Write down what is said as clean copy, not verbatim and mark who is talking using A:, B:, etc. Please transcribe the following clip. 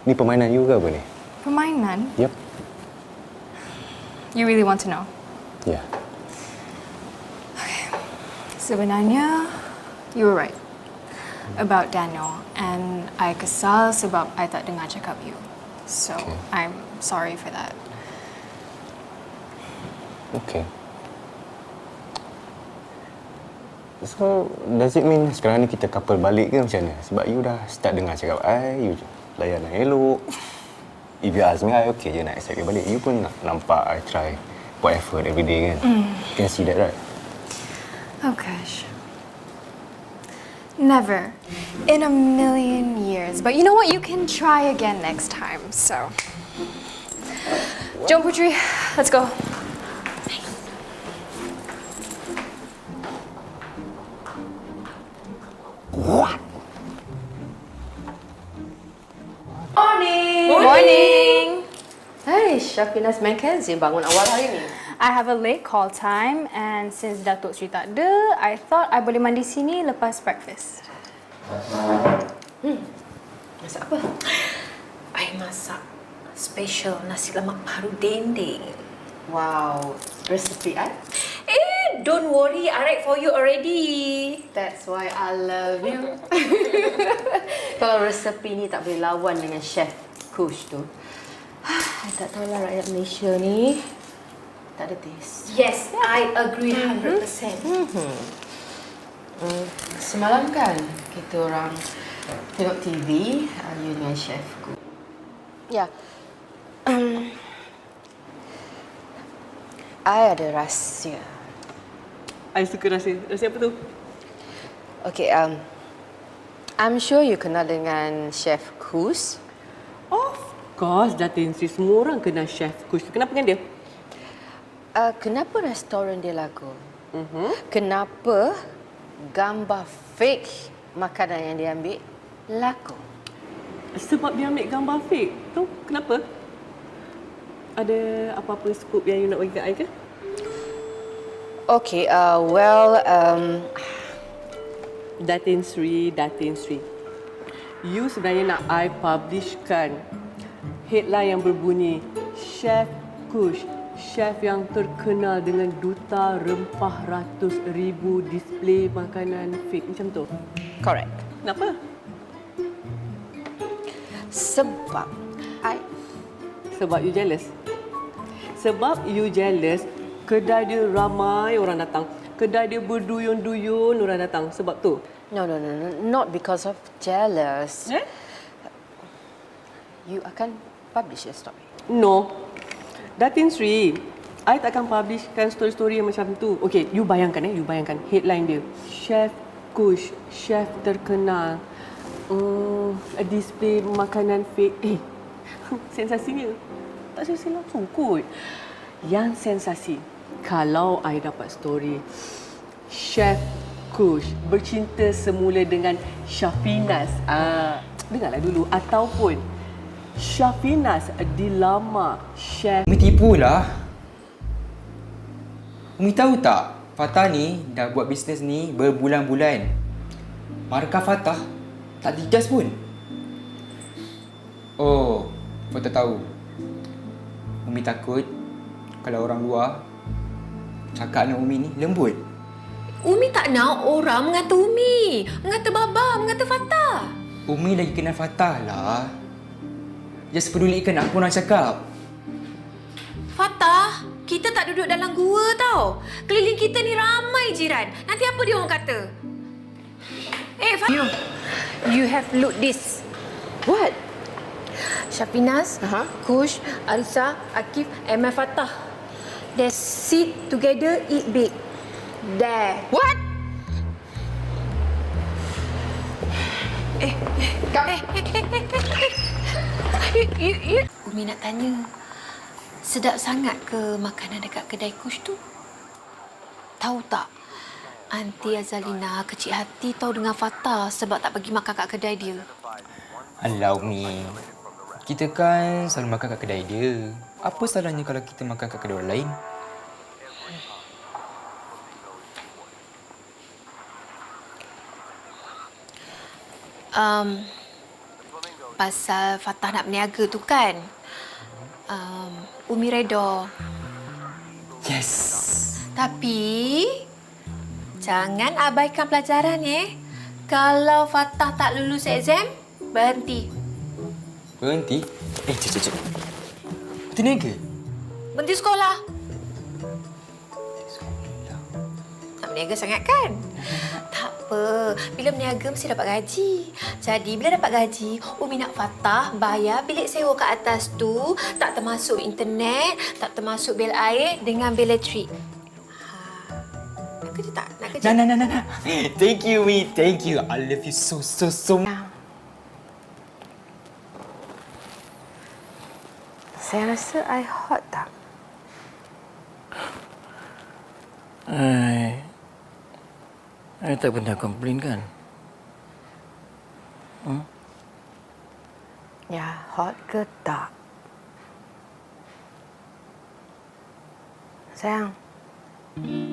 A: Ni permainan you ke apa ni?
B: Permainan?
A: Yep.
B: You really want to know?
A: Ya. Yeah.
B: Sebenarnya, you were right about Daniel, and I kesal sebab I tak dengar cakap you. So, I'm sorry for that.
A: Okay. So, does it mean sekarang ni kita couple balik ke macam mana? Sebab you dah start dengar cakap I, you layan I elok. If you ask me, I okay je nak accept you balik. You pun nak nampak I try, put effort every day kan? You can see that, right?
B: Oh gosh. Never. In a million years. But you know what? You can try again next time, so. Jom Putri, let's go.
A: What?
C: Morning!
B: Morning!
C: Hai, Syafinas Mackenzie bangun awal hari ni.
B: I have a late call time, and since Datuk Sri tak ada, I thought I boleh mandi sini lepas breakfast.
C: Masak apa? I masak special nasi lemak paru dendeng. Wow, resipi I? Don't worry, I write for you already. That's why I love you. Kalau resepi ni tak boleh lawan dengan chef Kush tu. I tak tahulah rakyat Malaysia ni tak ada taste. Yes, I agree 100%. Semalam kan kita orang tengok TV, you dengan chef Kush. Ya. I ada rahsia.
D: I suka rahsia. Rahsia apa tu?
C: Okay, I'm sure you kenal dengan Chef Kush.
D: Of course, Datin Sri. Semua orang kenal Chef Kush. Kenapa dengan dia?
C: Kenapa restoran dia laku? Kenapa gambar fake makanan yang dia ambil laku?
D: Sebab dia ambil gambar fake. Tu kenapa? Ada apa-apa scoop yang you nak bagi kat I ke?
C: Okay,
D: Datin Sri. You sebenarnya nak I publishkan headline yang berbunyi Chef Kush, chef yang terkenal dengan duta rempah ratus ribu display makanan fake macam tu.
C: correct.
D: Kenapa? Sebab you jealous. Sebab you jealous, kedai dia ramai orang datang. Kedai dia berduyun-duyun orang datang. Sebab tu.
C: No. Not because of jealous. You akan publish your story.
D: No. Datin Sri, I takkan publishkan story-story yang macam tu. Okey, you bayangkan headline dia. Chef Kush, chef terkenal. Display makanan fake. Sensasinya. Tak sensasi langsung kot. Yang sensasi, kalau I dapat story Chef Kush bercinta semula dengan Syafinas. Dengarlah dulu. Ataupun Syafinas dilamar Chef.
E: Umi tipulah. Umi tahu tak, Fatah ni dah buat bisnes ni berbulan-bulan. Markah Fatah tak digas pun. Oh, Fatah tahu. Umi takut kalau orang luar cakap dengan Umi ni lembut.
F: Umi tak nak orang mengata Umi, mengata Baba, mengata Fatah.
E: Umi lagi kenal Fatah lah. Just pedulikan apa orang cakap.
F: Fatah, kita tak duduk dalam gua tau. Keliling kita ni ramai jiran. Nanti apa dia orang kata? Fatah.
C: You have look this. What?
F: Syafinas, Kush, Arisa, Akif, and my Fatah. They sit together, eat big. There.
C: What?
F: Umi nak tanya, sedap sangat ke makanan dekat kedai Kush tu? Tahu tak, Aunty Azalina kecil hati tahu dengan Fatah sebab tak pergi makan kat kedai dia.
E: Alah Umi, kita kan selalu makan kat kedai dia. Apa salahnya kalau kita makan kat kedai orang lain?
F: pasal Fatah nak berniaga tu kan. Umi reda.
E: Yes.
F: Tapi jangan abaikan pelajaran Kalau Fatah tak lulus exam, berhenti.
E: Berhenti? Cik. Berhenti niaga?
F: Berhenti sekolah. Tak berniaga sangat kan? Tak apa. Bila berniaga mesti dapat gaji. Jadi bila dapat gaji, Umi nak Fatah bayar bilik sewa kat atas tu. Tak termasuk internet, tak termasuk bil air dengan bil elektrik. Nak kerja tak? Nak kerja?
E: Nah. Thank you, Mi. Thank you. I love you so much.
C: Saya rasa I hot tak?
G: I tak pernah komplain kan?
C: Ya, hot ke tak? Sayang,